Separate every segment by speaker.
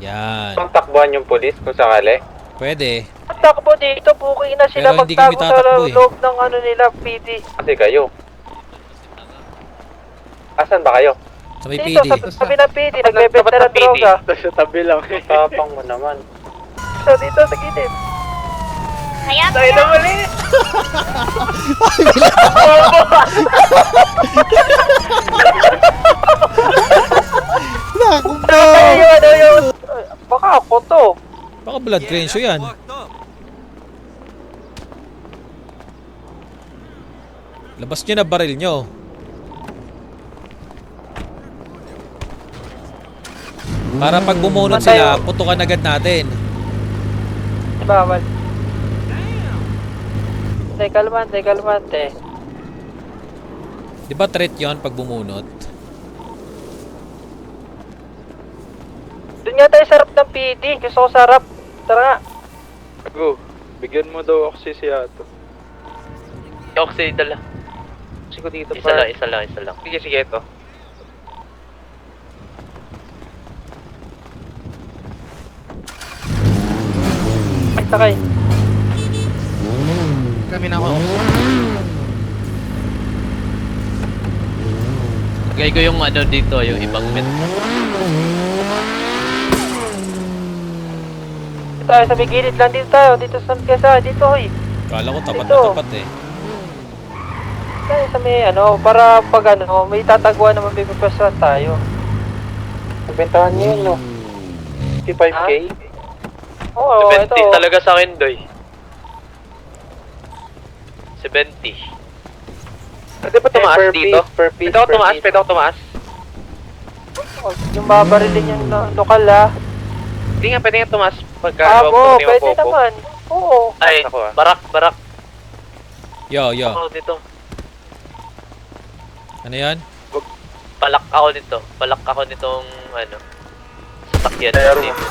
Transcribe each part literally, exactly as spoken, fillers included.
Speaker 1: Yan.
Speaker 2: Ang takbuhan yung polis kung sakali.
Speaker 1: Pwede.
Speaker 3: Takbo dito, buki na sila
Speaker 1: Pero hindi kami
Speaker 3: magtago sa
Speaker 1: tatakbo eh.
Speaker 3: loob ng ano nila, P D.
Speaker 2: Kasi kayo. Asan ba kayo?
Speaker 1: Sa may P
Speaker 3: Dito,
Speaker 1: D.
Speaker 3: sa tabi ng P D, nagbebenta ng droga.
Speaker 2: Sa tabi lang. Tapang mo naman.
Speaker 3: So, dito, sa gilid.
Speaker 4: Kaya
Speaker 3: Tayo na muli!
Speaker 1: Naku po!
Speaker 3: Tayo, ano yun? Baka ako to.
Speaker 1: Baka blood crenshaw yan. Labas nyo na baril nyo. Para pag bumunot sila, putukan agad natin.
Speaker 3: Bawal. Tay, kalmante, kalmante.
Speaker 1: Di ba threat yon pag bumunot?
Speaker 3: Doon nga tayo sarap ng P D. Gusto ko sarap. Tara nga.
Speaker 2: Go. Bigyan mo daw oxy si Ato.
Speaker 5: Oxy, dala.
Speaker 3: Sige dito
Speaker 5: Isa lang, isa lang, isa lang.
Speaker 2: Sige, sige ito.
Speaker 3: Ay, sakay.
Speaker 5: Kami na ako. Lagay ko yung ano dito, yung ibang met.
Speaker 3: Dito tayo sa may gilid lang. Dito tayo. Dito sa kesa. Dito, hoy.
Speaker 1: Kala ko tapat
Speaker 3: Ito.
Speaker 1: na tapat eh.
Speaker 3: Tayo sa may ano. Para pag ano, may tataguan naman may pagpaswan tayo.
Speaker 2: Bentahan niyo yun, no? fifty-five K?
Speaker 3: Oo, ito.
Speaker 5: seventy talaga sa akin, Doy. seventy.
Speaker 2: Pwede ba tumaas
Speaker 5: per
Speaker 2: dito?
Speaker 5: piece,
Speaker 2: Per piece,
Speaker 5: Pwede ako tumaas, pwede ako tumaas.
Speaker 3: Yung babarilin yung na- lokal ah.
Speaker 5: Hindi nga, pwede nga tumaas pagka
Speaker 3: Ah,
Speaker 5: huwag
Speaker 3: oo,
Speaker 5: ko, di
Speaker 3: pwede
Speaker 5: mapopo.
Speaker 3: naman. Oo.
Speaker 5: Ay,
Speaker 2: Ako, ah.
Speaker 5: barak, barak.
Speaker 1: Yo, yo.
Speaker 5: Ako dito.
Speaker 1: Ano yan?
Speaker 5: Palak ako nito. Palak ako nitong, ano, sasakyan.
Speaker 2: Pero-
Speaker 5: dito.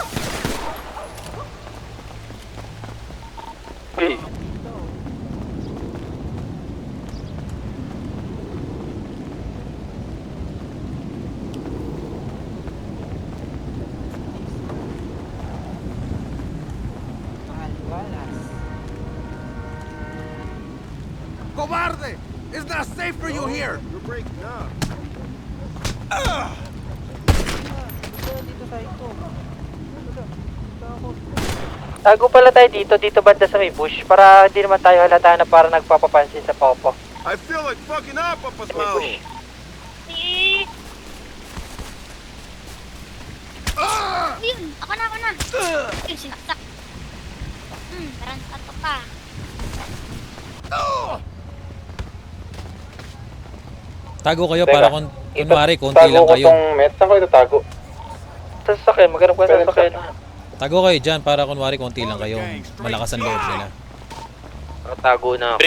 Speaker 2: Hey.
Speaker 6: Cobarde! It's not safe for you here! You're breaking up.
Speaker 3: Tago pala tayo dito, dito banda sa may bush. Para hindi naman tayo halata na para nagpapapansin sa Popo.
Speaker 6: I feel like fucking up up as
Speaker 3: Sa may
Speaker 6: well.
Speaker 3: bush.
Speaker 4: si... Ayun, ako na, ako na. Ayun, sinaksak. Hmm, parang tato pa.
Speaker 1: Tago kayo
Speaker 2: Teka,
Speaker 1: para kung kunwari konti
Speaker 2: Tago
Speaker 1: lang
Speaker 2: ko
Speaker 1: kayo.
Speaker 2: tong met. Saan ko ito tago?
Speaker 3: Sa sasakyan, maghanap ka sa
Speaker 2: Pwede
Speaker 3: sasakyan.
Speaker 1: Tago kayo dyan para kunwari konti lang kayo. Malakas ang loob nila.
Speaker 5: Nakatago na ako.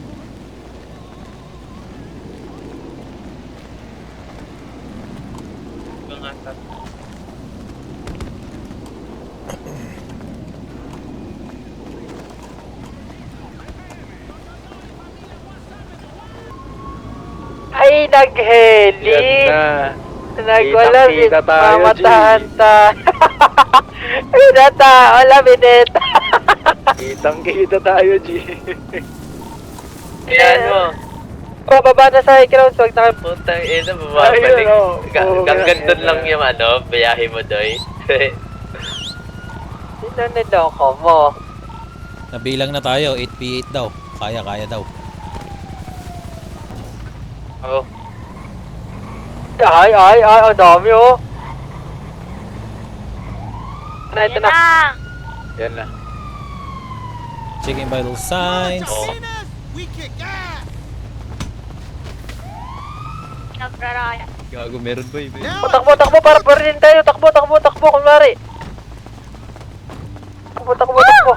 Speaker 3: Ay, nagheli! Nagwala,
Speaker 2: Kitang-kita tayo,
Speaker 3: mamatahan ta. Ay, nata, wala, binet.
Speaker 2: Kitang kita tayo, G.
Speaker 5: Ayan mo.
Speaker 3: Pababa na sa ground, wag na kayo.
Speaker 5: Putang ina, bumabalik.
Speaker 2: Ayun, oh. Oo,
Speaker 5: Hanggang
Speaker 2: ganun
Speaker 5: doon lang
Speaker 2: yan.
Speaker 5: yung ano, biyahe mo, Doy.
Speaker 3: Sino niloko mo?
Speaker 1: Nabilang na tayo, eight P eight daw. Kaya, kaya daw.
Speaker 5: Oo.
Speaker 3: Ay, ay, ay, ang dami oh. Na, ito
Speaker 4: Ayun
Speaker 3: na.
Speaker 4: na.
Speaker 2: Yan na.
Speaker 1: Checking vital signs.
Speaker 5: Oo.
Speaker 6: We kick ass!
Speaker 4: Nagraraya.
Speaker 5: Gago, meron ba yun?
Speaker 6: Now
Speaker 3: Takbo, takbo, para pa rin tayo. Takbo, takbo, takbo, kunwari. Takbo, takbo, takbo.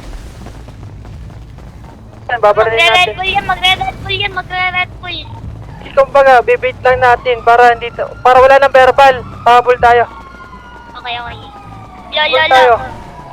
Speaker 3: Yan, babarilin
Speaker 4: Magre-red
Speaker 3: natin.
Speaker 4: bull yan, magre-red bull yan, magre-red bull.
Speaker 3: Kumbaga, bibait lang natin para hindi ta- para wala nang verbal. Habol tayo.
Speaker 4: Okay, okay.
Speaker 3: Habol
Speaker 4: Lolo,
Speaker 3: tayo.
Speaker 4: lolo.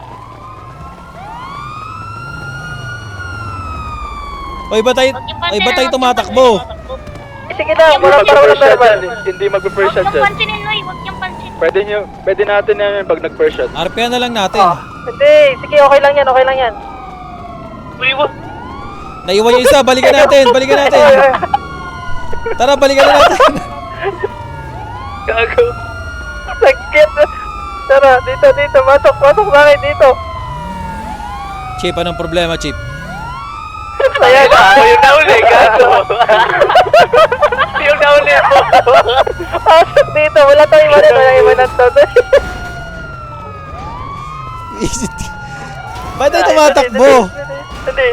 Speaker 1: Oy, ba tayo, oy, ba tayo tumatakbo?
Speaker 3: Eh, sige na, wala para wala verbal.
Speaker 2: Hindi magpe-first
Speaker 4: Huwag
Speaker 2: shot
Speaker 4: niyong
Speaker 2: dyan.
Speaker 4: pansinin, Noy. Huwag niyong pansinin.
Speaker 7: Pwede nyo, pwede natin na yun pag nag-first shot.
Speaker 1: R P na lang natin.
Speaker 3: Oh, hindi, sige, okay lang yan, okay lang yan.
Speaker 5: Uy, what?
Speaker 1: Naiwan yung isa, balikan natin, balikan natin. Tara, balikan na natin.
Speaker 5: Gago.
Speaker 3: Sakit. Tara, dito, dito, pasok, pasok sa akin dito.
Speaker 1: Chip, anong problema, Chip?
Speaker 3: Ayan,
Speaker 5: Ako yung nauli, gago. Yung nauli mo.
Speaker 3: pasok dito, wala tayong iwanan, wala tayong iwanan to.
Speaker 1: Ba't tayo tumatakbo?
Speaker 3: Hindi,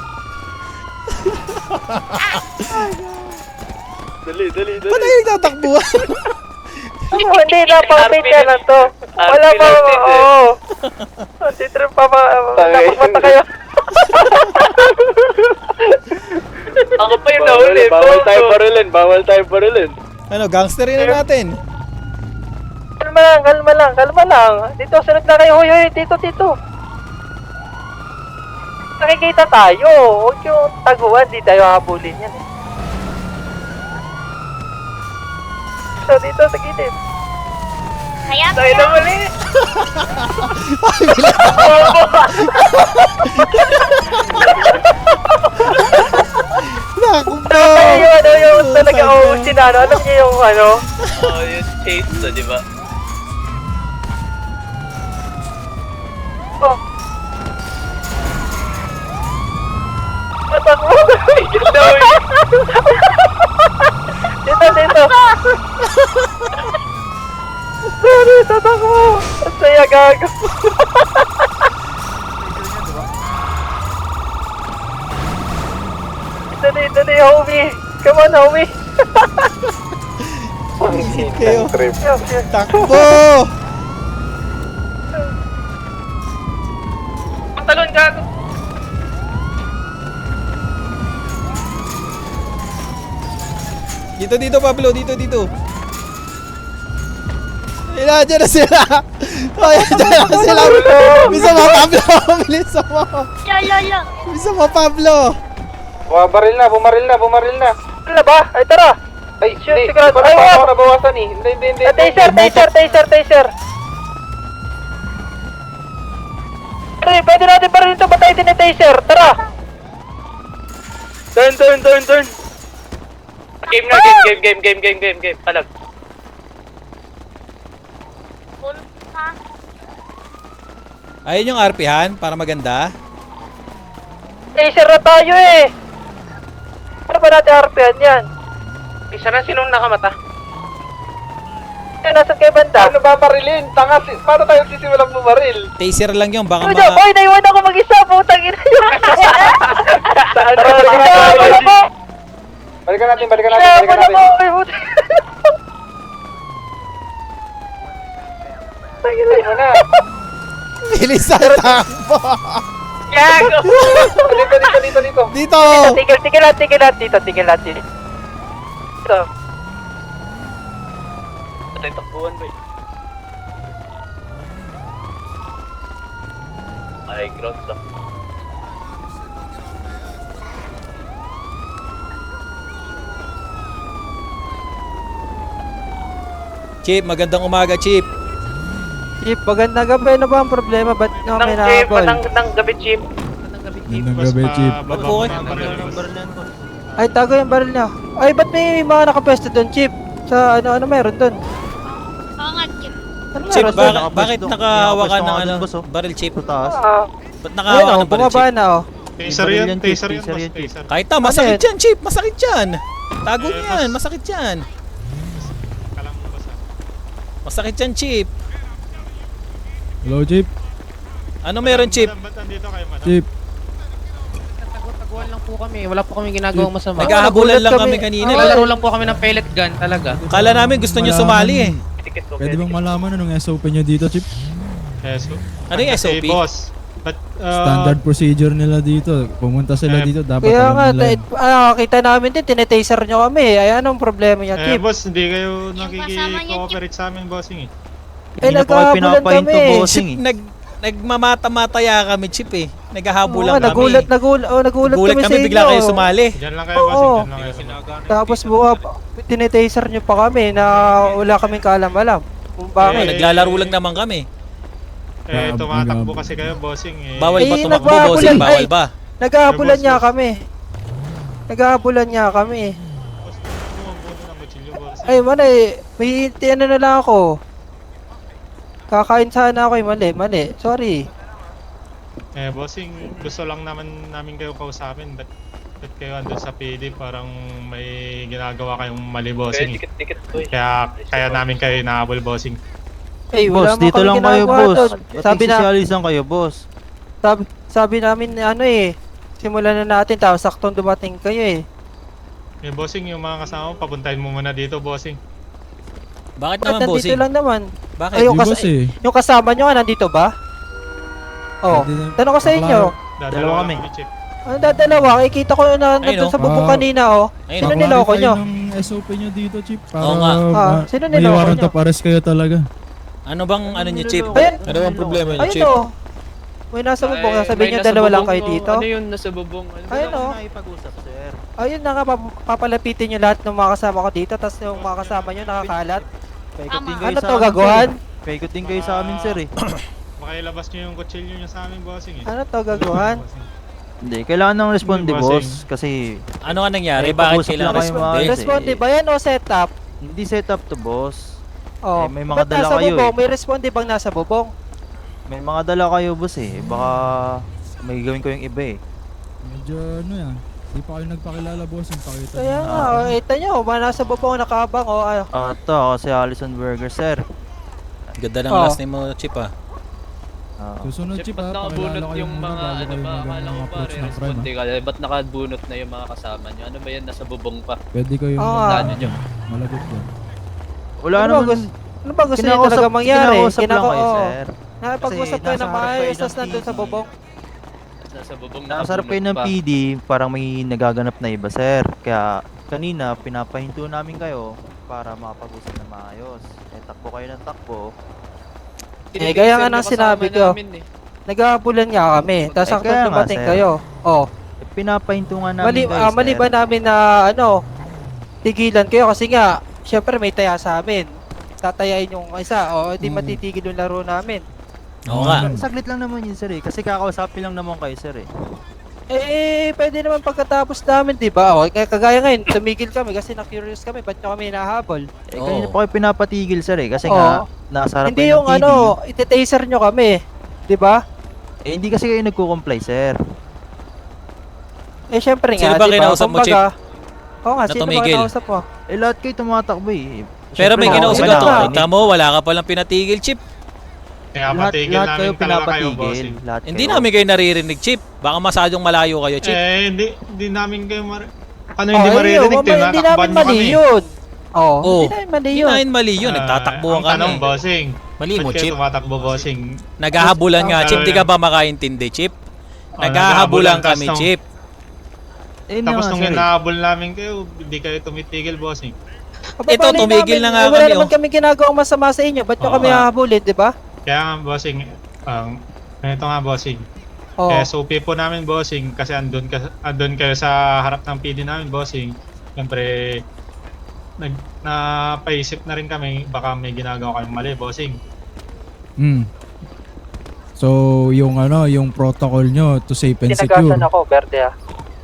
Speaker 7: Dali, dali, dali.
Speaker 1: Ba't tayo nagtatakbo?
Speaker 3: hindi, napakapit ka na to. Wala pa, oo. Antitrip pa pa, dapat mata kayo.
Speaker 5: Ako pa yung nauli.
Speaker 7: Bawal tayo parilin, bawal tayo parilin.
Speaker 1: Ano, gangsterin na natin.
Speaker 3: Kalma lang, kalma lang, kalma lang. Dito, sunod na kayo, hoy, hoy, dito, dito. Nakikita tayo, huwag yung taguan, di tayo habulin yan eh. Dito, dito, sa gilid.
Speaker 4: Kaya
Speaker 3: Tayo na muli.
Speaker 1: Naku po!
Speaker 3: Tayo yung ano, yung talaga, oh, sinano, alam niyo yung ano?
Speaker 5: Oh, yung chase to, di ba?
Speaker 3: Oh. Patakbo. Dito, dito. Sorry, tatakbo. Ang saya gago. Dito, dito, dito, homie. Come on, homie.
Speaker 1: Kayo.
Speaker 2: Trip.
Speaker 3: Yo, yo.
Speaker 1: Takbo!
Speaker 5: Pantalon, gago.
Speaker 1: Dito, dito, Pablo. Dito, dito. Ayun, dyan na sila. Ayun, dyan na sila. Bisa mo, Pablo. Bisa mo.
Speaker 4: Lolo.
Speaker 1: Bisa mo, Pablo.
Speaker 2: Bumaril na, bumaril na, bumaril na.
Speaker 3: Ano ba? Ay, tara.
Speaker 2: Ay,
Speaker 3: Shoot,
Speaker 2: hindi.
Speaker 3: sigurado.
Speaker 2: Parang
Speaker 3: Ay,
Speaker 2: pa
Speaker 3: wag.
Speaker 2: ako nabawasan eh. Hindi, hindi, hindi.
Speaker 3: Ah, taser, taser, taser, taser. Pre, pwede natin pa rin ito batay din ni taser. Tara.
Speaker 7: Turn, turn, turn, turn.
Speaker 5: Game na, game, game, game, game, game, game, game. Palag.
Speaker 4: Full ha?
Speaker 1: Ayun yung R P han para maganda.
Speaker 3: Taser na tayo eh. Ano ba natin harpihan yan?
Speaker 5: Isa na sinong nakamata?
Speaker 3: Eh, nasan kayo banda?
Speaker 2: Ano ba parilin? Tanga, si- paano tayo sisimulang bumaril?
Speaker 1: Taser lang yun. Baka
Speaker 3: Ano
Speaker 1: ma...
Speaker 3: Boy, naiwan ako mag-isa. Putang ina yun.
Speaker 2: Saan
Speaker 3: Tara, sinama na po.
Speaker 2: Balikan natin, balikan natin,
Speaker 3: Sinama
Speaker 2: balikan
Speaker 3: na
Speaker 2: natin.
Speaker 3: po. Ay, putang ina.
Speaker 2: Ano na?
Speaker 1: Bilis sa takbo.
Speaker 5: Gago!
Speaker 2: Dito, dito, dito, dito.
Speaker 1: Dito.
Speaker 3: Tigil, tigil lang, tigil lang dito, tigil lang dito. Ito.
Speaker 5: Patay takbuhan ba eh? Ay, grounds ah.
Speaker 1: Chip, magandang umaga, Chip.
Speaker 8: Chip, magandang gabi. Ano ba ang problema? Ba't nyo kami
Speaker 5: Nang chip,
Speaker 8: nahabol?
Speaker 5: nang, nang gabi chip.
Speaker 9: Magandang gabi, Chief.
Speaker 1: Ba't po kayo?
Speaker 8: Ay, tago yung baril niya. Ay, ba't may mga nakapwesto doon, Chip? Sa ano, ano meron doon?
Speaker 4: Oo nga, Chip.
Speaker 8: Ano
Speaker 1: Chip,
Speaker 8: meron
Speaker 1: ba-
Speaker 8: doon?
Speaker 1: bakit nakahawa ka ng ano, baril, Chip?
Speaker 3: Ah,
Speaker 1: Ba't
Speaker 8: Ayun,
Speaker 1: nakahawa ka
Speaker 8: oh,
Speaker 1: ng baril,
Speaker 8: bumaba
Speaker 1: Chip?
Speaker 8: na, oh.
Speaker 9: Taser yan, taser yan, boss, taser.
Speaker 1: Kahit na, masakit
Speaker 8: Ano
Speaker 1: yan, Chip. Masakit yan. Tago
Speaker 9: Eh,
Speaker 1: yan,
Speaker 9: mas-
Speaker 1: masakit yan.
Speaker 9: Kalang mo ba sa...
Speaker 1: Masakit yan, Chip.
Speaker 9: Hello, Chief.
Speaker 1: Ano meron, Chip?
Speaker 9: Ba't nandito kayo, madam?
Speaker 10: Chief,
Speaker 11: Taguan lang po kami. Wala po kami ginagawang masama.
Speaker 1: Naghahabulan lang
Speaker 8: kami.
Speaker 1: kami kanina.
Speaker 11: Naglalaro lang po kami ng pellet gun talaga.
Speaker 1: Kala namin gusto nyo sumali eh.
Speaker 5: Ticket ko.
Speaker 10: pwede bang malaman anong S O P nyo dito, Chief?
Speaker 9: Yes.
Speaker 1: Ano yung S O P?
Speaker 9: Kasi, boss. But, uh,
Speaker 10: Standard procedure nila dito. Pumunta sila
Speaker 9: Eh,
Speaker 10: dito, dapat
Speaker 8: Kaya nga,
Speaker 10: alam nila.
Speaker 8: ta- ah, kita namin din, tinetaser nyo kami. Ay, anong problema niya,
Speaker 9: eh,
Speaker 8: Chip?
Speaker 9: boss, hindi kayo
Speaker 4: Yung kasama niya,
Speaker 9: nakiki-cooperate sa amin, bossing eh.
Speaker 8: Eh, nagkahabulan kami.
Speaker 1: Chip, nag, nagmamata-mataya kami, Chip eh.
Speaker 8: Oo,
Speaker 1: Naghahabulan kami.
Speaker 8: nagulat, nagulat, oh, nagulat,
Speaker 1: Nagulat
Speaker 8: kami,
Speaker 1: kami,
Speaker 8: sa
Speaker 1: bigla
Speaker 8: inyo.
Speaker 1: kayo sumali.
Speaker 9: Diyan lang kayo,
Speaker 8: Oo.
Speaker 9: bossing. Diyan lang kayo.
Speaker 8: Tapos buwa, tinetaser nyo pa kami na wala kaming kaalam-alam. Kung
Speaker 9: Eh,
Speaker 8: bakit.
Speaker 1: Naglalaro lang naman kami.
Speaker 9: Eh,
Speaker 10: Ah,
Speaker 9: tumatakbo
Speaker 10: magab-
Speaker 9: kasi kayo, bossing eh.
Speaker 1: Bawal ba
Speaker 8: Eh,
Speaker 1: tumakbo,
Speaker 8: nagbababulan-
Speaker 1: bossing? Bawal
Speaker 8: ay.
Speaker 1: ba?
Speaker 8: Naghahabulan
Speaker 9: Eh,
Speaker 8: niya
Speaker 9: boss,
Speaker 8: kami. Naghahabulan niya kami.
Speaker 9: Boss, bumubuno ng kutsilyo, bossing.
Speaker 8: Ay, mali. May ano na lang ako. Kakain sana ako eh. Mali, mali. Sorry.
Speaker 9: Eh, bossing, gusto lang naman namin kayo kausapin. Ba't, ba't kayo andun sa P D? Parang may ginagawa kayong mali,
Speaker 5: Kaya
Speaker 9: bossing. eh.
Speaker 5: dikit-dikit to eh.
Speaker 9: Kaya, kaya namin kayo inaabol, bossing.
Speaker 8: Ay, wala
Speaker 3: Boss, dito
Speaker 8: kami
Speaker 3: lang kayo,
Speaker 8: ginagawa
Speaker 3: boss.
Speaker 8: doon.
Speaker 3: Ba't
Speaker 8: Sabi na,
Speaker 3: nagsisiyalisan kayo, boss?
Speaker 8: sabi, sabi namin ano eh. Simulan na natin tapos saktong dumating kayo eh.
Speaker 9: Eh, bossing, yung mga kasama mo, papuntahin mo muna dito, bossing.
Speaker 1: Bakit
Speaker 8: Bakit
Speaker 1: naman,
Speaker 8: nandito
Speaker 1: bossing?
Speaker 8: lang naman?
Speaker 1: Bakit?
Speaker 8: Ay, yung,
Speaker 10: Di,
Speaker 8: kas-
Speaker 10: boss, eh.
Speaker 8: yung kasama nyo nga nandito ba? Oh,
Speaker 10: Pwede na-
Speaker 8: tanong ko sa inyo.
Speaker 9: Dadalawa
Speaker 3: Dalawa kami.
Speaker 9: kami, Chip.
Speaker 8: Ano dadalawa? Eh, kita ko na
Speaker 1: Ayun,
Speaker 8: nandun
Speaker 1: oh.
Speaker 8: sa bubong
Speaker 10: Ah.
Speaker 8: kanina oh.
Speaker 1: Ayun,
Speaker 8: Sino
Speaker 1: oh.
Speaker 8: niloko
Speaker 10: Pa-clarify
Speaker 8: nyo?
Speaker 10: ng S O P nyo dito, Chip. Para
Speaker 1: Oo nga.
Speaker 8: Ah,
Speaker 10: ma-
Speaker 8: sino
Speaker 10: may
Speaker 8: niloko
Speaker 10: warrant
Speaker 8: nyo?
Speaker 10: of arrest kayo talaga.
Speaker 1: Ano bang ano niyo, Chip?
Speaker 8: Ayun.
Speaker 1: Ano bang problema niyo,
Speaker 8: Ayun
Speaker 1: Chip?
Speaker 8: oh. May nasa bubong. Sasabihin nyo dalawa lang kayo dito.
Speaker 11: Ano yun, nasa bubong? Ano
Speaker 8: Ayun oh.
Speaker 3: Nakipag-usap, sir.
Speaker 8: Ayun na nga, pap- papalapitin nyo lahat ng mga kasama ko dito. Tapos yung mga kasama nyo nakakalat.
Speaker 3: Paikot din
Speaker 4: Tama.
Speaker 3: kayo
Speaker 8: Ano
Speaker 3: sa
Speaker 8: to,
Speaker 3: amin,
Speaker 8: gagawan?
Speaker 3: sir, eh. Paikot din kayo sa amin, sir eh.
Speaker 9: Baka ilabas nyo yung kutsilyo nyo sa amin, bossing eh.
Speaker 8: Ano to, gagawan?
Speaker 9: Bossing.
Speaker 3: Hindi, kailangan ng responde,
Speaker 9: Hindi,
Speaker 3: boss.
Speaker 9: bossing.
Speaker 3: Kasi
Speaker 1: Ano nga nangyari?
Speaker 3: Eh,
Speaker 1: Bakit
Speaker 3: pag-usap
Speaker 1: kailangan
Speaker 3: lang kayo,
Speaker 1: responde?
Speaker 3: mga-
Speaker 8: Responde ba yan o setup?
Speaker 3: hindi set up to, boss.
Speaker 8: Oh,
Speaker 3: Eh, may mga
Speaker 8: ba't
Speaker 3: dala
Speaker 8: nasa
Speaker 3: kayo
Speaker 8: bubong?
Speaker 3: eh.
Speaker 8: May responde bang nasa bubong?
Speaker 3: May mga dala kayo, boss eh. Baka may gawin ko yung iba eh.
Speaker 10: Medyo ano yan. Di pa kayo nagpakilala, boss. Yung pakita
Speaker 8: Kaya
Speaker 10: nyo.
Speaker 8: nga, oh, ito nyo, ba nasa bubong nakabang o ano.
Speaker 3: Ah, ito, ako si Allison Burger, sir.
Speaker 1: Ganda ng
Speaker 8: Oh.
Speaker 1: last name mo, Chip ah.
Speaker 3: Ah,
Speaker 10: Susunod,
Speaker 11: Chip,
Speaker 10: Chip,
Speaker 11: ba't
Speaker 10: ha. Pakilala
Speaker 11: nakabunot
Speaker 10: kayo
Speaker 11: yung
Speaker 10: muna
Speaker 11: mga,
Speaker 10: bago
Speaker 11: ano
Speaker 10: kayo
Speaker 11: ba,
Speaker 10: mag-
Speaker 11: akala ko
Speaker 10: mag-approach
Speaker 11: pare,
Speaker 10: ng crime,
Speaker 11: responde
Speaker 10: ha.
Speaker 11: ka. Ba't nakabunot na yung mga kasama nyo? Ano ba yan, nasa bubong pa?
Speaker 10: Pwede kayo
Speaker 8: Oo
Speaker 10: mag-
Speaker 8: nga.
Speaker 11: Ano nyo?
Speaker 10: malagot yan.
Speaker 3: wala
Speaker 8: Ano ba
Speaker 3: naman.
Speaker 8: gusto- Ano ba gusto nyo
Speaker 3: kinakausap-
Speaker 8: talaga mangyari?
Speaker 3: kinakausap lang
Speaker 8: Kinako-
Speaker 3: kayo,
Speaker 8: oo.
Speaker 3: sir.
Speaker 8: Nakapag-usap
Speaker 3: Kasi
Speaker 8: kayo
Speaker 3: nasa
Speaker 8: ng
Speaker 3: harap kayo
Speaker 8: maayos,
Speaker 3: ng
Speaker 8: tapos nandun sa
Speaker 3: P D.
Speaker 8: bubong.
Speaker 11: Nasa bubong
Speaker 3: Nasa harap kayo ng
Speaker 11: nakabunot
Speaker 3: P
Speaker 11: pa.
Speaker 3: D, parang may nagaganap na iba, sir. Kaya kanina, pinapahinto namin kayo para makapag-usap na maayos. Eh, takbo kayo ng takbo.
Speaker 8: Eh, gaya nga ng sinabi ko.
Speaker 11: Namin, eh.
Speaker 8: Naghahabulan nga kami, tapos
Speaker 3: Eh,
Speaker 8: sakto
Speaker 3: kaya nga,
Speaker 8: dumating
Speaker 3: sir.
Speaker 8: kayo. Oh,
Speaker 3: Eh, pinapahinto nga namin
Speaker 8: mali,
Speaker 3: kayo,
Speaker 8: ah, mali
Speaker 3: sir.
Speaker 8: ba namin na ano, tigilan kayo kasi nga, syempre may taya sa amin. Tatayain yung isa, o hindi
Speaker 10: Mm.
Speaker 8: matitigil yung laro namin.
Speaker 1: Oo nga.
Speaker 3: Saglit lang naman yun, sir eh. Kasi kakausapin lang naman kayo, sir eh.
Speaker 8: Eh, pwede naman pagkatapos namin, di ba? O, kaya kagaya ngayon, tumigil kami kasi na-curious kami, ba't nyo kami nahabol?
Speaker 3: Eh,
Speaker 1: Oo.
Speaker 3: kanina pa kayo pinapatigil, sir eh. Kasi
Speaker 8: Oo.
Speaker 3: nga, nasa harap
Speaker 8: Hindi
Speaker 3: kayo
Speaker 8: yung
Speaker 3: ng P D.
Speaker 8: ano, iti-taser nyo kami, di ba?
Speaker 3: Eh, hindi kasi kayo nagko-comply, sir.
Speaker 8: Eh, syempre nga,
Speaker 1: Sino ba
Speaker 8: di ba?
Speaker 1: kinausap mo,
Speaker 8: Kumbaga, Oo nga,
Speaker 1: Na
Speaker 8: sino ba
Speaker 1: tumigil?
Speaker 8: kinausap mo?
Speaker 3: Eh, lahat kayo tumatakbo eh.
Speaker 1: Pero may
Speaker 3: Siyempre,
Speaker 1: kinausap
Speaker 3: wala
Speaker 1: ka to.
Speaker 3: kami.
Speaker 1: Kita mo, wala ka palang pinatigil, Chip.
Speaker 9: Kaya
Speaker 3: Lahat,
Speaker 9: patigil
Speaker 3: lahat
Speaker 9: namin
Speaker 3: kayo
Speaker 9: talaga kayo,
Speaker 3: pinapatigil.
Speaker 9: bossing.
Speaker 3: Lahat
Speaker 1: Hindi
Speaker 3: kayo.
Speaker 1: namin kayo naririnig, Chip. Baka masyadong malayo kayo, Chip.
Speaker 9: Eh, hindi, hindi namin kayo mar... Ano
Speaker 8: Oh,
Speaker 9: hindi
Speaker 8: ayun,
Speaker 9: maririnig?
Speaker 8: wama- hindi namin
Speaker 9: Tinatakban nyo
Speaker 8: mali
Speaker 9: kami.
Speaker 8: yun. Oh,
Speaker 1: Oo.
Speaker 8: hindi namin mali
Speaker 1: Hindi
Speaker 8: yun.
Speaker 1: namin mali yun. Nagtatakbuhan
Speaker 9: Ah, ang tanong,
Speaker 1: kami.
Speaker 9: bossing.
Speaker 1: Mali mo,
Speaker 9: Ba't kayo
Speaker 1: Chip.
Speaker 9: tumatakbo, bossing?
Speaker 1: Naghahabulan nga,
Speaker 9: Ang
Speaker 1: Chip. Di ka
Speaker 9: tanong
Speaker 1: ba makaintindi, Chip?
Speaker 9: Oh,
Speaker 1: Naghahabulan
Speaker 9: naghahabulan,
Speaker 1: kami,
Speaker 9: tas nung-
Speaker 1: Chip.
Speaker 3: Eh, yun
Speaker 9: Tapos
Speaker 3: nga,
Speaker 9: nung
Speaker 3: sir, eh.
Speaker 9: hinahabol namin kayo, hindi kayo tumitigil, bossing.
Speaker 8: Aba,
Speaker 1: Ito,
Speaker 8: bali
Speaker 1: tumigil
Speaker 8: namin,
Speaker 1: na nga
Speaker 8: eh, Wala
Speaker 1: kami,
Speaker 8: naman
Speaker 1: oh.
Speaker 8: kami ginagawang masama sa inyo. Ba't nyo
Speaker 9: Oo
Speaker 8: kami
Speaker 1: nga.
Speaker 8: hahabulin, di ba?
Speaker 9: Kaya nga, bossing, ang... ganito nga, bossing.
Speaker 8: Oh.
Speaker 9: Kaya S O P po namin, bossing, kasi andun, ka, andun kayo sa harap ng P D namin, bossing. Siyempre, nag, napaisip na rin kami, baka may ginagawa kayong mali, bossing.
Speaker 10: Hmm. So, yung ano, yung protocol nyo to safe and secure.
Speaker 8: Tinagasan ako, Berde ah.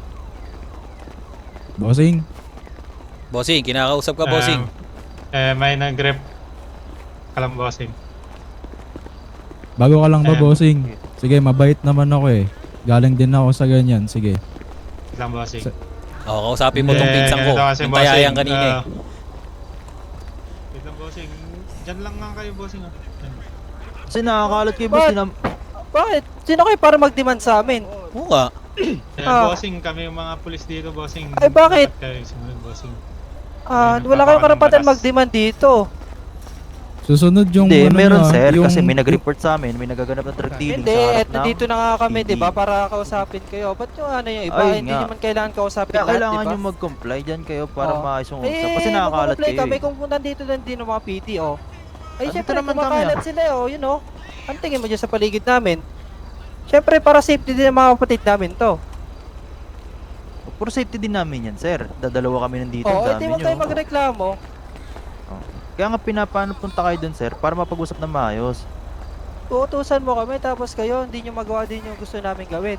Speaker 10: Bossing.
Speaker 1: Bossing, kinakausap ka, bossing.
Speaker 9: Eh, may nag-rep kalam, bossing.
Speaker 10: Bago ka lang ba,
Speaker 9: Ayan.
Speaker 10: bossing? Sige, mabait naman ako eh. Galing din ako sa ganyan. Sige.
Speaker 9: Kalam, bossing.
Speaker 10: Sa-
Speaker 1: Oo, kausapin mo tong
Speaker 9: Eh,
Speaker 1: pinsan ko.
Speaker 9: ganito kasi,
Speaker 1: Yung tayayang
Speaker 9: bossing,
Speaker 1: kanina eh.
Speaker 9: ah, wait lang, bossing. Diyan lang nga kayo, bossing. ah. Diyan.
Speaker 3: Kasi nakakalat kayo, boss.
Speaker 8: Ba't?
Speaker 3: Sinam-
Speaker 8: Bakit? Sino kayo para mag-demand sa amin?
Speaker 1: Oo nga.
Speaker 9: Kaya,
Speaker 8: Ah.
Speaker 9: bossing, kami yung mga pulis dito, bossing.
Speaker 8: Ay, bakit?
Speaker 9: Dapat kayo sumunod, bossing.
Speaker 8: Ah,
Speaker 9: Ayun,
Speaker 8: wala kayong
Speaker 9: nagpapaka ng
Speaker 8: karapatan
Speaker 9: batas.
Speaker 8: mag-demand dito.
Speaker 10: Susunod yung
Speaker 3: Hindi,
Speaker 10: ano
Speaker 3: meron,
Speaker 10: nyo, ah,
Speaker 3: sir.
Speaker 10: yung...
Speaker 3: Kasi may nag-report sa amin. May nagaganap na drug dealing
Speaker 8: Hindi,
Speaker 3: sa harap
Speaker 8: at nandito na nga kami,
Speaker 3: P D.
Speaker 8: di ba? Para kausapin kayo. Ba't yung ano yung iba?
Speaker 3: Ayun
Speaker 8: Hindi
Speaker 3: nga.
Speaker 8: naman kailangan kausapin
Speaker 3: Kaya
Speaker 8: lahat,
Speaker 3: kailangan
Speaker 8: di ba?
Speaker 3: nyo mag-comply dyan kayo para
Speaker 8: Oo.
Speaker 3: maayos yung usap.
Speaker 8: Eh,
Speaker 3: Kasi nakakalat
Speaker 8: mag-comply
Speaker 3: kayo
Speaker 8: kami
Speaker 3: eh.
Speaker 8: kung nandito lang din ng mga P D, oh. Ay,
Speaker 3: Andito
Speaker 8: syempre,
Speaker 3: naman kami,
Speaker 8: kumakalat
Speaker 3: ah.
Speaker 8: sila, oh, you know. Ang tingin mo dyan sa paligid namin. Syempre, para safety din ng mga kapatid namin to.
Speaker 3: Puro safety din namin yan, sir. Dadalawa kami nandito.
Speaker 8: Oo,
Speaker 3: ang
Speaker 8: hindi
Speaker 3: dami
Speaker 8: mo tayo
Speaker 3: nyo.
Speaker 8: magreklamo.
Speaker 3: Kaya nga pinapaano punta kayo dun, sir, para mapag-usap na maayos.
Speaker 8: Uutusan mo kami tapos kayo hindi nyo magawa din yung gusto namin gawin.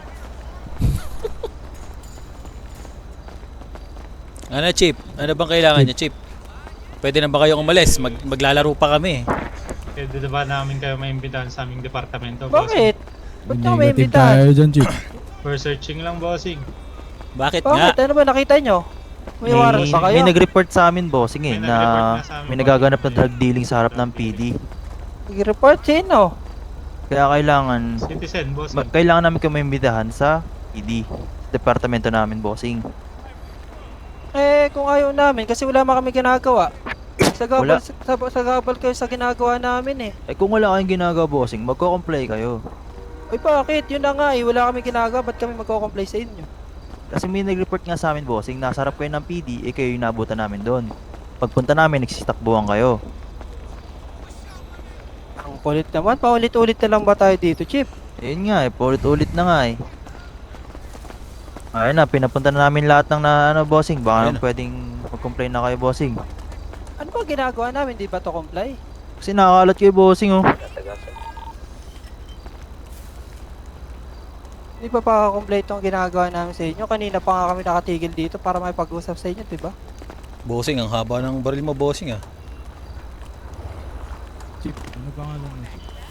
Speaker 12: Ano, Chip? Ano bang kailangan niya, Chip? Pwede na ba kayong umalis? Mag maglalaro pa kami.
Speaker 9: Pwede na ba namin kayo maimbitahan sa aming departamento,
Speaker 8: Bakit?
Speaker 9: bossing?
Speaker 8: Ba't nyo may
Speaker 10: Negative
Speaker 8: imbitahan?
Speaker 10: tayo dyan, Chip.
Speaker 9: For searching lang, bossing.
Speaker 12: Bakit nga?
Speaker 8: Bakit? Ano ba nakita nyo? May warrant ba kayo?
Speaker 3: may nag-report sa amin, bossing eh,
Speaker 9: May
Speaker 3: na
Speaker 9: nag-report na sa amin,
Speaker 3: may
Speaker 9: bossing.
Speaker 3: nagaganap na drug dealing sa harap ng P D.
Speaker 8: Nag-report sino?
Speaker 3: Kaya kailangan,
Speaker 9: Citizen, bossing.
Speaker 3: ma- kailangan namin kayo maimbitahan sa P D. Departamento namin, bossing.
Speaker 8: Eh, kung ayaw namin kasi wala man kami ginagawa.
Speaker 3: Wala.
Speaker 8: Sagabal, sa, sagabal kayo sa ginagawa namin eh.
Speaker 3: Eh kung wala kayong ginagawa, bossing, magko-comply kayo.
Speaker 8: Ay bakit? Yun na nga eh. Wala kami ginagawa. Ba't kami magko-comply sa inyo?
Speaker 3: Kasi may nag-report nga sa amin, bossing, nasa harap kayo ng P D, eh kayo yung nabutan namin doon. Pagpunta namin, nagsisitakbuhan kayo.
Speaker 8: Ang kulit naman. Paulit-ulit na lang ba tayo dito, Chip?
Speaker 3: Ayun nga eh, paulit-ulit na nga eh. Ayun na, pinapunta na namin lahat ng na, ano, bossing. Baka
Speaker 12: Ayun
Speaker 3: naman pwedeng mag-complain na kayo, bossing.
Speaker 8: Ano ba ginagawa namin? Di ba to comply?
Speaker 3: Kasi nakakalat kayo, bossing, oh.
Speaker 8: Di ba pa complete tong ginagawa namin sa inyo? Kanina pa nga kami nakatigil dito para may pag-usap sa inyo, di ba?
Speaker 12: Bossing, ang haba ng baril mo, bossing ah.
Speaker 10: Chip, ano pangalan mo?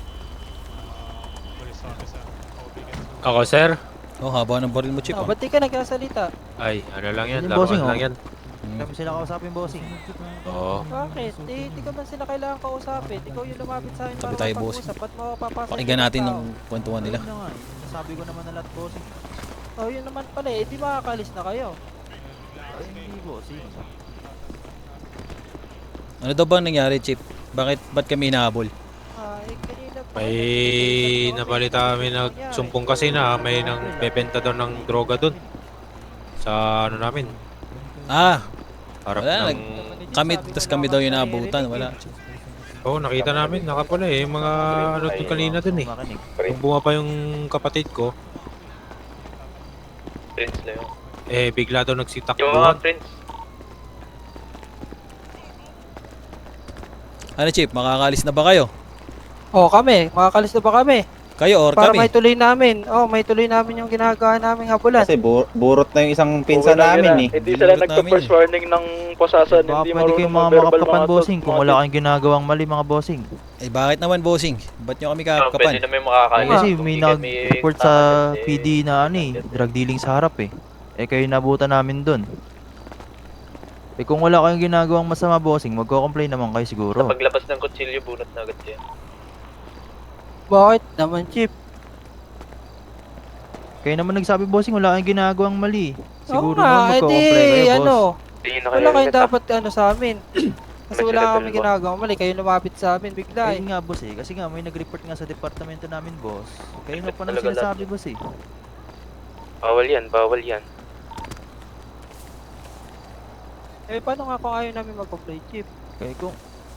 Speaker 9: Police officer.
Speaker 7: Ako, sir?
Speaker 12: Oh, haba ng baril mo, Chip
Speaker 8: Oh,
Speaker 12: ah.
Speaker 8: ba't di ka nagsasalita?
Speaker 7: Ay, ano lang yan,
Speaker 3: Yung bossing,
Speaker 7: laruan
Speaker 3: oh.
Speaker 7: lang yan.
Speaker 3: Kami sila kausapin, bossing.
Speaker 7: Oo.
Speaker 8: Bakit? Eh, di ka man sila kailangan kausapin. Ikaw yung lumapit sa akin
Speaker 12: Tabi
Speaker 8: para
Speaker 12: tayo,
Speaker 8: mapag-usap. Ba't mo papasok?
Speaker 12: Pakinggan natin ng kwentuhan nila.
Speaker 3: Ayun na nga eh. Nasabi ko naman na lahat, bossing.
Speaker 8: Oh, yun naman pala eh. Di makakalis na kayo.
Speaker 3: Ay, hindi, bossing.
Speaker 12: Ano daw bang nangyari, Chip? Bakit, ba't kami hinahabol?
Speaker 8: Ah, eh, kanina pa.
Speaker 6: May nabalita kami nagsumpong kasi na may nang bebenta daw ng droga doon. Sa ano namin,
Speaker 12: Ah,
Speaker 6: harap
Speaker 12: wala,
Speaker 6: ng...
Speaker 12: kami, tas kami daw yung naabutan. Wala.
Speaker 6: Oo, nakita namin, nakapula eh, yung mga ano doon kanina doon eh.
Speaker 3: Makinig.
Speaker 6: Nung bunga pa yung kapatid ko,
Speaker 5: Prince na yun.
Speaker 6: eh bigla daw
Speaker 5: Yung mga
Speaker 6: nagsitakbuhan.
Speaker 5: prince.
Speaker 12: Ano, Chip? Makakalis na ba kayo?
Speaker 8: Oh, kami. Makakalis na ba kami?
Speaker 12: Kayo or
Speaker 8: Para
Speaker 12: kami?
Speaker 8: may tuloy namin. Oh, may tuloy namin yung ginagawa naming habulan.
Speaker 2: Kasi bu- burot na yung isang pinsan namin eh.
Speaker 7: Hindi sila
Speaker 12: Binulot
Speaker 7: nagpa-first
Speaker 12: namin,
Speaker 7: warning ng pusasan.
Speaker 3: Baka
Speaker 7: Hindi
Speaker 3: pwede kayong
Speaker 7: marunong
Speaker 3: mga
Speaker 7: mag-verbal
Speaker 3: makapapan,
Speaker 7: mga
Speaker 3: bossing,
Speaker 7: to-
Speaker 3: kung
Speaker 7: mga
Speaker 3: wala kayong ginagawang mali, mga bossing.
Speaker 12: Eh, bakit naman, bossing? Ba't nyo kami
Speaker 5: Oh, pwede
Speaker 12: kakapan?
Speaker 5: na may makakalis.
Speaker 3: Kasi
Speaker 5: Kung
Speaker 3: may
Speaker 5: di kami
Speaker 3: nag-report sa
Speaker 5: tatakas,
Speaker 3: P D na ano eh, drug dealing sa harap eh. Eh kayo nabutan namin dun. Eh kung wala kayong ginagawang masama, bossing, magko-complain naman kayo siguro.
Speaker 5: Sa paglabas ng kutsilyo, bunot na agad yan.
Speaker 8: Bakit naman, Chip?
Speaker 3: Kayo naman nagsabi, bossing, wala kayong ginagawang mali. Siguro
Speaker 8: Oo nga,
Speaker 3: naman
Speaker 8: edi,
Speaker 3: magko-complain kayo, boss.
Speaker 8: ano,
Speaker 5: Tingin na
Speaker 8: wala kayong
Speaker 5: helmet, ah.
Speaker 8: dapat ano sa amin. Kasi wala
Speaker 5: Nagsilevel
Speaker 8: kami
Speaker 5: ba?
Speaker 8: ginagawa mali. Kayo lumapit sa amin bigla eh.
Speaker 3: Ayun nga, boss eh. Kasi nga, may nag-report nga sa departamento namin, boss. Kayo na pa nang
Speaker 5: Talaga lahat
Speaker 3: sinasabi,
Speaker 5: yun.
Speaker 3: boss eh.
Speaker 5: Bawal yan, bawal yan.
Speaker 8: Eh, paano nga kung ayaw namin mag-comply, Chip?
Speaker 3: Kaya kung...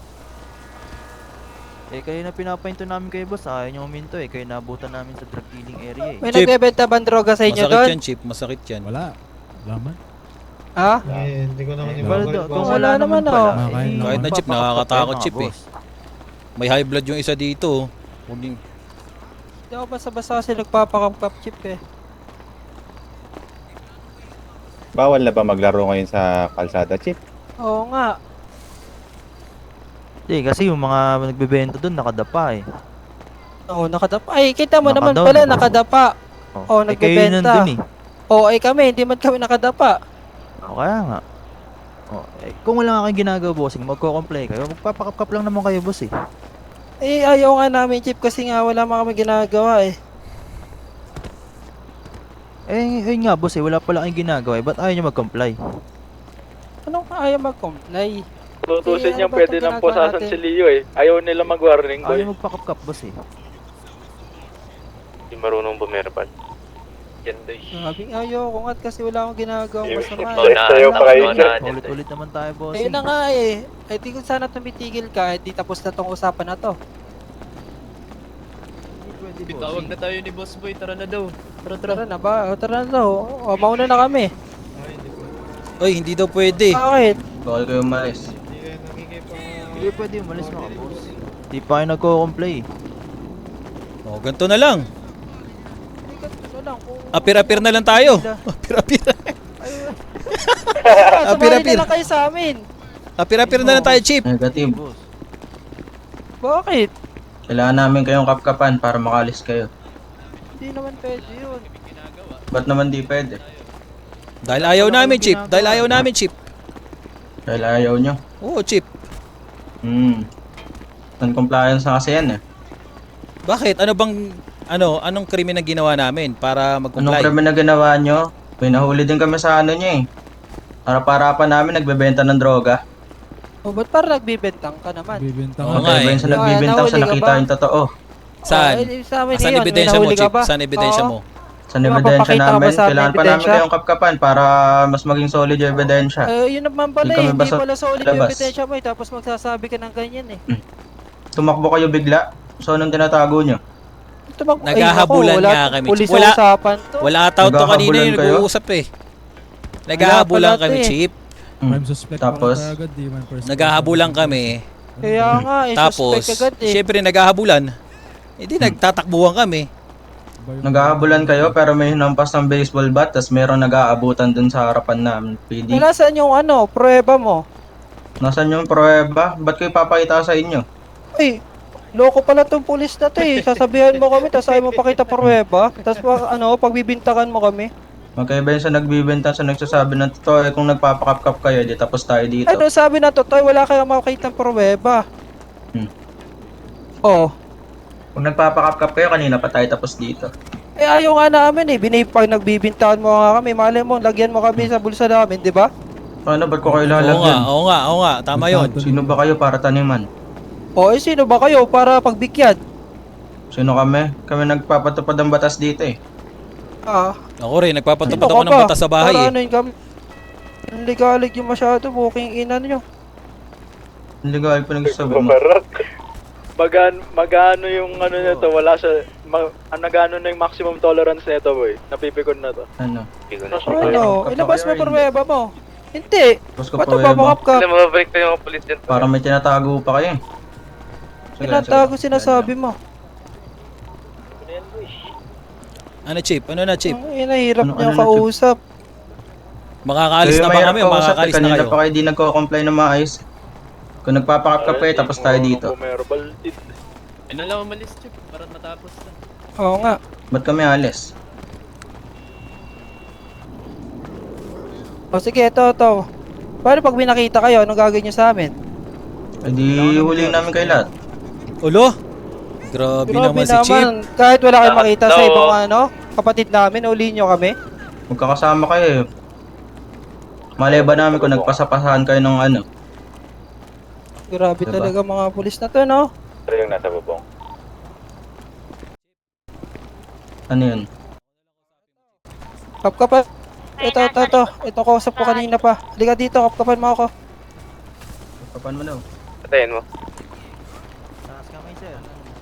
Speaker 3: Eh, kayo na pinapahinto namin kayo, boss. Ayaw nyo uminto eh. Kayo nabutan namin sa drug dealing area eh.
Speaker 8: May
Speaker 12: Chip.
Speaker 8: nagbebenta bang droga sa inyo
Speaker 12: Masakit
Speaker 8: doon?
Speaker 12: yan, Chip. Masakit yan.
Speaker 10: Wala. Wala man.
Speaker 8: Ha?
Speaker 9: Eh, hindi ko naman
Speaker 3: Eh,
Speaker 9: yung
Speaker 3: wala
Speaker 9: mga-
Speaker 3: daw. Kung
Speaker 8: Wala
Speaker 3: wala
Speaker 8: naman,
Speaker 3: naman pala,
Speaker 10: oh.
Speaker 3: eh,
Speaker 10: Kahit
Speaker 12: Kahit na, Chip,
Speaker 3: magpapakap
Speaker 12: nakakatakot,
Speaker 3: kayo,
Speaker 12: Chip,
Speaker 3: mga
Speaker 12: eh.
Speaker 3: boss.
Speaker 12: May high blood yung isa dito. oh. Huwag yung...
Speaker 8: Hindi ako basta-basta kasi nagpapakamkap, Chip eh.
Speaker 2: Bawal na ba maglaro ngayon sa kalsada, Chip?
Speaker 8: Oo nga.
Speaker 3: Eh, kasi yung mga nagbebenta doon nakadapa eh.
Speaker 8: Oo, nakadapa. Ay, kita mo naman
Speaker 3: Nakadown.
Speaker 8: pala, nakadapa. Oh,
Speaker 3: eh, kayo yun
Speaker 8: nagbebenta.
Speaker 3: nandun eh.
Speaker 8: Oo, ay kami, hindi man kami nakadapa.
Speaker 3: O, kaya nga. O, eh, kung wala nga kayong ginagawa, bossing, magko-comply kayo. Magpapakap-kap lang naman kayo, boss eh.
Speaker 8: Eh, ayaw nga namin, Chip, kasi nga wala man kami ginagawa eh.
Speaker 3: Eh, ayun nga, boss eh. Wala pala kayong ginagawa eh. Ba't ayaw nyo mag-comply?
Speaker 8: Anong ayaw mag-comply?
Speaker 7: Tutusin
Speaker 8: Eh,
Speaker 7: niya
Speaker 8: ano ba
Speaker 7: pwede
Speaker 8: itong
Speaker 7: ng
Speaker 8: ginagawa
Speaker 7: pusasan
Speaker 8: natin?
Speaker 7: si Leo eh. Ayaw nila mag-warning ko eh.
Speaker 3: Ayaw magpakap-kap, boss eh.
Speaker 5: Hindi marunong bumerbal. Yan daw eh.
Speaker 8: Sabi ayaw ko nga kasi wala akong ginagawang masama.
Speaker 5: Oh,
Speaker 8: eh.
Speaker 5: na,
Speaker 7: Sa'yo
Speaker 5: na,
Speaker 7: pa kayo.
Speaker 5: na, na,
Speaker 3: Ulit-ulit naman tayo, boss
Speaker 8: Ayun na nga eh. Ay di kung sana tumitigil ka, eh, di tapos na tong usapan na to.
Speaker 3: Tawag na
Speaker 11: tayo ni Boss Boy, tara na daw. Tara,
Speaker 8: Tara na ba? O, tara na to. O, mauna na kami.
Speaker 12: Oy, hindi daw pwede.
Speaker 8: Bakit?
Speaker 11: Bawal kayo umalis.
Speaker 9: Hindi kayo nakikipag...
Speaker 3: Hindi pwede umalis mga boss. Di pa kayo nagko-comply.
Speaker 12: O, ganito na lang.
Speaker 8: Ay, ganito na lang. Kung...
Speaker 12: Apir-apir na lang tayo. Apir-apir.
Speaker 8: Samahin
Speaker 12: Apir-apir.
Speaker 8: na lang kayo sa amin.
Speaker 12: Apir-apir na lang tayo, Chief.
Speaker 2: Negative.
Speaker 3: Boss.
Speaker 8: Bakit?
Speaker 2: Kailangan namin kayong kapkapan para makalis kayo.
Speaker 8: Hindi naman pwede yun.
Speaker 2: Ba't naman di pwede?
Speaker 12: Dahil ayaw namin, Chief. Dahil ayaw namin, Chief.
Speaker 2: Dahil ayaw nyo.
Speaker 12: Oo, Chief.
Speaker 2: Hmm. Non-compliance na kasi yan eh.
Speaker 12: Bakit? Ano bang, ano, anong krimen ang ginawa namin para
Speaker 2: Anong
Speaker 12: mag-comply?
Speaker 2: krimen na ginawa nyo? Pinahuli din kami sa ano nyo eh. Para-para namin nagbebenta ng droga.
Speaker 8: O, ba't parang nagbibentang ka naman?
Speaker 10: Bibenta
Speaker 12: Oo
Speaker 10: ka.
Speaker 12: nga
Speaker 2: Okay,
Speaker 12: eh.
Speaker 2: ba sa nagbibintang sa
Speaker 8: Nahuli ka
Speaker 2: nakita
Speaker 8: ba?
Speaker 2: yung totoo?
Speaker 12: Saan?
Speaker 8: Oh, eh, sa amin
Speaker 12: Saan
Speaker 8: yun,
Speaker 12: ebidensya mo,
Speaker 8: nahuli ka
Speaker 12: Chief?
Speaker 8: ba?
Speaker 12: Saan ebidensya
Speaker 8: Oo.
Speaker 12: mo?
Speaker 2: Sa
Speaker 8: Di ba,
Speaker 2: ebidensya
Speaker 8: papakita mo
Speaker 2: namin,
Speaker 8: ba sa amin
Speaker 2: kailangan pa namin
Speaker 8: ebidensya?
Speaker 2: kayong kapkapan para mas maging solid yung ebidensya.
Speaker 8: Eh, yun naman pala
Speaker 2: Hindi
Speaker 8: eh.
Speaker 2: kami
Speaker 8: Hindi
Speaker 2: basta
Speaker 8: pala solid yung
Speaker 2: labas.
Speaker 8: ebidensya mo eh. Tapos magsasabi ka ng ganyan eh.
Speaker 2: Tumakbo kayo bigla. So, anong tinatago nyo?
Speaker 8: Tumak- Ay,
Speaker 12: Naghahabulan
Speaker 8: naku, wala
Speaker 12: nga
Speaker 8: tong
Speaker 12: kami.
Speaker 8: Pulis
Speaker 12: Wala.
Speaker 8: sa usapan to.
Speaker 12: Wala tao to kanina
Speaker 2: Naghahabulan
Speaker 12: yung
Speaker 2: kayo?
Speaker 12: nag-uusap eh. Naghahabulan
Speaker 8: Wala pala
Speaker 12: kami,
Speaker 8: to eh.
Speaker 12: Chief.
Speaker 10: Prime suspect
Speaker 2: Tapos?
Speaker 10: pa agad, di man first
Speaker 12: Naghahabulan kami.
Speaker 8: Kaya nga eh.
Speaker 12: Tapos,
Speaker 8: Suspect agad eh.
Speaker 12: syempre naghahabulan. Hindi nagtatakbuhan kami.
Speaker 2: Nag-aabulan kayo pero may hinampas ng baseball bat tas merong nag-aabutan dun sa harapan namin, P D.
Speaker 8: Eh, nasaan yung ano, prueba mo?
Speaker 2: Nasaan yung pruweba? Ba't ko ipapakita sa inyo?
Speaker 8: Ay, loko pala tong pulis na to eh. Sasabihan mo kami, tapos ayaw mo pakita pruweba. Tapos pa- ano, pagbibintakan mo kami.
Speaker 2: Magkaiba yun sa nagbibenta sa nagsasabi ng totoo. Eh kung nagpapakapkap kayo, di tapos tayo dito.
Speaker 8: Ano sabi na to, Toy, wala kayong makakita ng pruweba.
Speaker 2: Hmm.
Speaker 8: Oh.
Speaker 2: Kung nagpapakapkap kayo, kanina pa tayo tapos dito.
Speaker 8: Eh ayaw nga namin eh. Binay, pag nagbibintakan mo nga kami, mali mo, lagyan mo kami sa bulsa namin, di ba?
Speaker 2: Ano, ba't ko kayo
Speaker 12: Oo nga,
Speaker 2: lalagyan?
Speaker 12: oo nga, oo nga. Tama yun.
Speaker 2: Sino ba kayo para taniman?
Speaker 8: O eh, sino ba kayo para pagbigyan?
Speaker 2: Sino kami? Kami nagpapatupad ng batas dito eh.
Speaker 8: Ah,
Speaker 12: Ako rin, nagpapatupad
Speaker 8: sino
Speaker 12: ako
Speaker 8: ka
Speaker 12: ng
Speaker 8: ba?
Speaker 12: batas sa bahay
Speaker 8: Para
Speaker 12: eh.
Speaker 8: ano yun kami? Ang ligalig yung masyado, booking ina nyo.
Speaker 2: Hindi ko ay pinagsasabi mo.
Speaker 7: Babarak. Magan, magano yung ano nito, wala sa, ma, ano gano na yung maximum tolerance nito, boy. Napipikon na to.
Speaker 2: Ano?
Speaker 8: Ano, ilabas mo pruweba mo. Hindi.
Speaker 2: Tapos ko
Speaker 8: Ba't
Speaker 2: pruweba.
Speaker 8: babakap ka?
Speaker 5: Alam mo, mabalik tayo mga polis dyan.
Speaker 2: Para may tinatago pa kayo eh. Sige,
Speaker 8: Tinatago
Speaker 2: sige.
Speaker 8: sinasabi mo.
Speaker 12: Ano, Chief? Ano na, Chief?
Speaker 8: Ang inahirap
Speaker 2: Ano-
Speaker 8: niyo
Speaker 2: ano na,
Speaker 8: kausap.
Speaker 12: Makakaalis
Speaker 2: Kayo
Speaker 12: na ba
Speaker 2: mahirap
Speaker 12: kami o
Speaker 2: kausap eh,
Speaker 12: makakaalis na
Speaker 2: kanina
Speaker 12: kayo?
Speaker 2: pa kayo di nagko-comply na maayos. Kung nagpapakapkap kayo, tapos tayo dito.
Speaker 7: Bumerbal.
Speaker 5: Ano lang umalis, Chip, para matapos na.
Speaker 8: Oo nga.
Speaker 2: Ba't kami alis?
Speaker 8: O sige, ito, ito. Paano pag may nakita kayo, anong gagawin niyo sa amin?
Speaker 2: Eh di huliin namin kayo lahat.
Speaker 12: Ulo? Grabe, naman si Chief.
Speaker 8: Kahit wala kayong makita sa
Speaker 5: Daw.
Speaker 8: ibang ano, kapatid namin, ulihin nyo kami.
Speaker 2: Magkakasama kayo eh. Malay ba namin kung nagpasapasahan kayo ng ano?
Speaker 8: Grabe
Speaker 2: Diba?
Speaker 8: talaga mga pulis na to, no?
Speaker 7: Pero yung nasa bubong.
Speaker 2: Ano yun?
Speaker 8: Kapkapan. Ito, ito, ito. Ito, kausap ko kanina pa. Halika dito, kapkapan mo ako.
Speaker 2: Kapan mo daw?
Speaker 5: Patayin mo.
Speaker 3: Taas kamay, sir.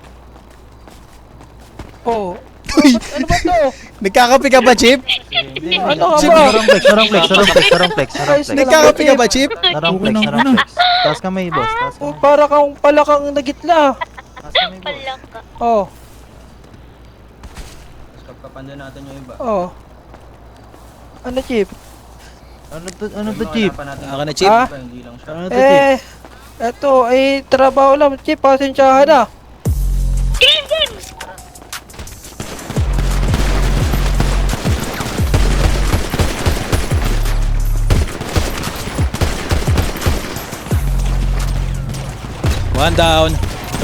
Speaker 8: Oo. Ano ba to?
Speaker 12: Nagkakape ka ba, Chief?
Speaker 3: Hindi,
Speaker 8: Ano ka
Speaker 3: Chief,
Speaker 8: ba?
Speaker 3: narong flex, narong flex, narong flex, narong flex, narong
Speaker 8: Ayos
Speaker 3: flex.
Speaker 8: na lang.
Speaker 12: Nagkakape ka ba, Chief?
Speaker 3: Narong flex, narong flex. Taas kamay, boss. Taas
Speaker 8: Oh,
Speaker 3: kamay.
Speaker 8: para kang palakang nagitla.
Speaker 3: Taas kamay, boss.
Speaker 4: Palak ka.
Speaker 8: Oh,
Speaker 2: Tapos kapkapan din natin yung iba.
Speaker 8: oh. Ano, Chief?
Speaker 3: Ano to, ano to, Chief?
Speaker 12: Ako na, Chief.
Speaker 8: Ah?
Speaker 2: Hindi lang siya.
Speaker 3: Ano to, Chief?
Speaker 8: Eh, eto, eh, trabaho lang, Chief. Pasensyahan na.
Speaker 4: Game, game!
Speaker 12: One down.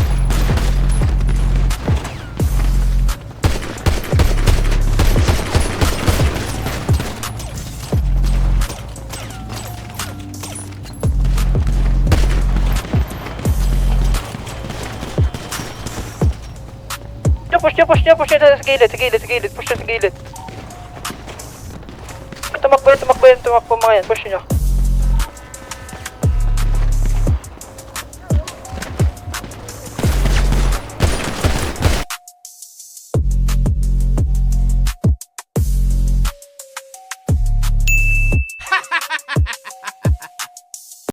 Speaker 8: Push niya, push niya, push niya sa gilid, sa gilid, sa gilid, push niya sa gilid. Tumakbo yan, tumakbo yan, tumakbo mga yan, push niya.